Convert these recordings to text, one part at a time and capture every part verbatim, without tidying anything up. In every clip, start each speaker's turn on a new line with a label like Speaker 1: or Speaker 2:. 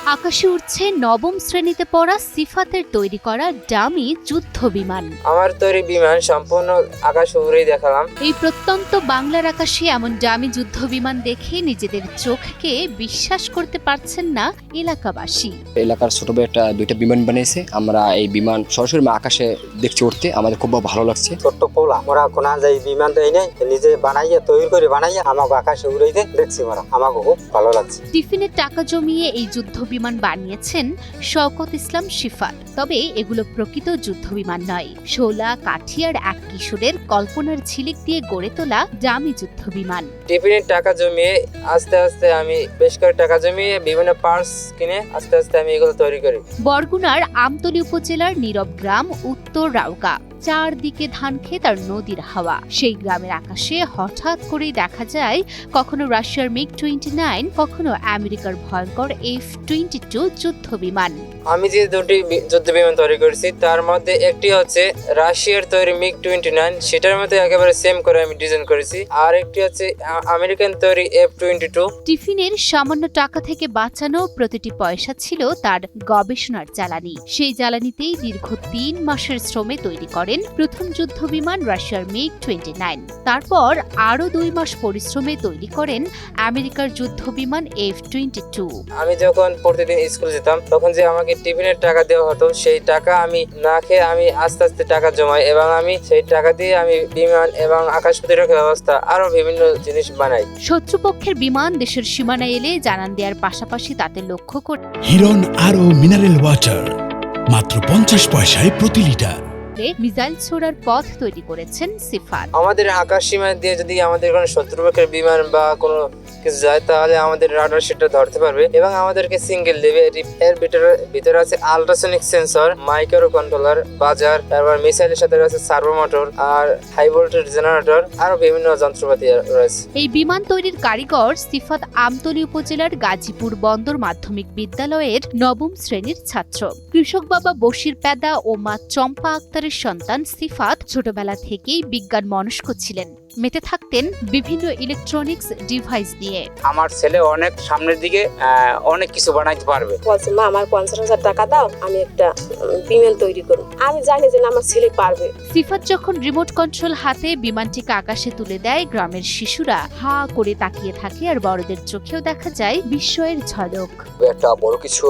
Speaker 1: আকাশে উঠছে নবম শ্রেণীতে পড়া সিফাতের তৈরি করা ডামি যুদ্ধ বিমান।
Speaker 2: আমার তৈরি বিমান সম্পূর্ণ আকাশ উড়েই দেখালাম।
Speaker 1: এই প্রত্যন্ত বাংলার আকাশে এমন ডামি যুদ্ধ বিমান দেখে নিজেদের চোখকে বিশ্বাস করতে পারছেন না এলাকাবাসী।
Speaker 3: এলাকার ছোট ভাই একটা দুইটা বিমান বানিয়েছে, আমরা এই বিমান সরাসরি আকাশে দেখছি উঠতে, আমাদের খুব ভালো লাগছে।
Speaker 4: ছোট্ট পোলা মোরা কোনা যাই বিমান দেয় নাই, নিজে বানাইয়া তৈরি করে বানাইয়া আমাকে আকাশে উড়াইতে দেখছি, মোরা আমাকে খুব ভালো লাগছে।
Speaker 1: টিফিনের টাকা জমিয়ে এই যুদ্ধ বিমান বানিয়েছেন শওকত ইসলাম সিফাত। তবে এগুলো প্রকৃত যুদ্ধ বিমান নয়, শোলা কাঠিয়ার এক কিশোরের কল্পনার ঝিলিক দিয়ে গড়ে তোলা ডামি যুদ্ধ বিমান।
Speaker 2: টিফিনের টাকা জমিয়ে আস্তে আস্তে আমি বেশ করে টাকা জমিয়ে বিভিন্ন পার্টস কিনে আস্তে আস্তে আমি এগুলো তৈরি করি।
Speaker 1: বরগুনার আমতলী উপজেলার নীরব গ্রাম উত্তর রাউকা, চারদিকে ধান ক্ষেত আর নদীর হাওয়া। সেই গ্রামের আকাশে হঠাৎ করেই দেখা যায় কখনো রাশিয়ার মিগ টোয়েন্টি নাইন, কখনো আমেরিকার ভয়ঙ্কর এফ টোয়েন্টি টু যুদ্ধ বিমান।
Speaker 2: আমি যে দুটি যুদ্ধ বিমান তৈরি করেছি তার মধ্যে একটি হচ্ছে রাশিয়ার তৈরি মিগ টোয়েন্টি নাইন, সেটার মধ্যে একেবারে সেম করে আমি ডিজাইন করেছি। আর একটি হচ্ছে আমেরিকান তৈরি এফ টোয়েন্টি টু।
Speaker 1: টিফিনের সামান্য টাকা থেকে বাঁচানো প্রতিটি পয়সা ছিল তার গবেষণার জ্বালানি। সেই জ্বালানিতেই দীর্ঘ তিন মাসের শ্রমে তৈরি করেন প্রথম যুদ্ধ বিমান রাশিয়ার মিগ টোয়েন্টি নাইন। তারপর আরো দুই মাস পরিশ্রমে তৈরি করেন আমেরিকার যুদ্ধ বিমান এফ টোয়েন্টি টু।
Speaker 2: আমি যখন প্রতিদিন স্কুল যেতাম তখন যে আমাকে টিফিনের টাকা দেওয়া হতো, সেই টাকা আমি না খেয়ে আমি আস্তে আস্তে টাকা জমাই এবং আমি সেই টাকা দিয়ে আমি বিমান এবং আকাশ প্রতিরক্ষা ব্যবস্থা আরো বিভিন্ন জিনিস বানাই।
Speaker 1: শত্রুপক্ষের বিমান দেশের সীমানায় এলে জানান দেওয়ার পাশাপাশি তাতে লক্ষ্য করে
Speaker 5: হিরন আরো মিনারেল ওয়াটার মাত্র পঞ্চাশ পয়সায় প্রতি লিটার
Speaker 1: মিসাইল ছোড়ার পথ তৈরি করেছেন সিফাত।
Speaker 2: আমাদের আকাশ সীমা দিয়ে যদি আমাদের কোনো শত্রুপক্ষের বিমান বা কোনো কিছু যায় তাহলে আমাদের রাডার সেটা ধরতে পারবে এবং আমাদেরকে সিঙ্গেল দেবে। এর ভিতরে ভিতরে আছে আল্ট্রাসনিক সেন্সর, মাইক্রো কন্ট্রোলার, বাজার, তারপর মিসাইলের সাথে রয়েছে সার্ভো মোটর আর হাই ভোল্টেজ জেনারেটর, আরো বিভিন্ন যন্ত্রপাতি রয়েছে।
Speaker 1: এই বিমান তৈরির কারিগর সিফাত আমতলী উপজেলার গাজীপুর বন্দর মাধ্যমিক বিদ্যালয়ের নবম শ্রেণীর ছাত্র। কৃষক বাবা বশির পেদা ও মা চম্পা আক্তারের সন্তান সিফাত ছোটবেলা থেকেই বিজ্ঞান মনস্ক ছিলেন, মেতে থাকতেন বিভিন্ন ইলেকট্রনিক্স ডিভাইস নিয়ে।
Speaker 4: আমার ছেলে অনেক সামনের দিকে অনেক কিছু বানাইতে পারবে।
Speaker 6: বলছে মা আমার পঞ্চাশ হাজার টাকা দাও, আমি একটা বিমান তৈরি করব। আমি জানি যে আমার ছেলে পারবে।
Speaker 1: সিফাত যখন রিমোট কন্ট্রোল হাতে বিমানটিকে আকাশে তুলে দেয়, গ্রামের শিশুরা হা করে তাকিয়ে থাকে আর বড়দের চোখেও দেখা যায় বিস্ময়ের ঝলক।
Speaker 3: একটা বড় কিছু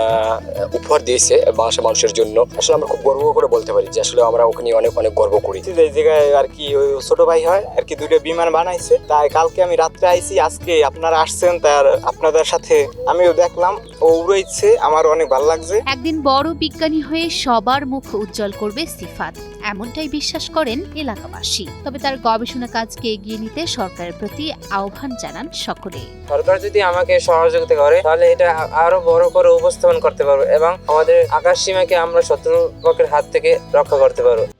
Speaker 3: উপহার দিয়েছে বাংলাদেশের মানুষের জন্য। আসলে আমরা খুব গর্ব করে বলতে পারি যে আসলে আমরা ওখানে অনেক অনেক গর্ব করি।
Speaker 4: এই জায়গায় আর কি ওই ছোট ভাই হয় আর কি দুইটা বিমান বানাইছে, তাই কালকে আমি রাত্রে আইছি, আজকে আপনারা আসছেন, তার আপনাদের সাথে আমিও দেখলাম ও উড়াইছে, আমার অনেক ভালো লাগছে।
Speaker 1: একদিন বড় বিজ্ঞানী হয়ে সবার মুখ উজ্জ্বল করবে সিফাত, এমনটাই বিশ্বাস করেন এলাকাবাসী। তবে তার গবেষণা কাজকে এগিয়ে নিতে সরকারের প্রতি আহ্বান জানান সকলে।
Speaker 2: সরকার যদি আমাকে সহযোগিতা করে তাহলে এটা আরো বড় করে উপস্থাপন করতে পারবো এবং আমাদের আকাশ সীমাকে আমরা শত্রুপক্ষের হাত থেকে রক্ষা করতে পারবো।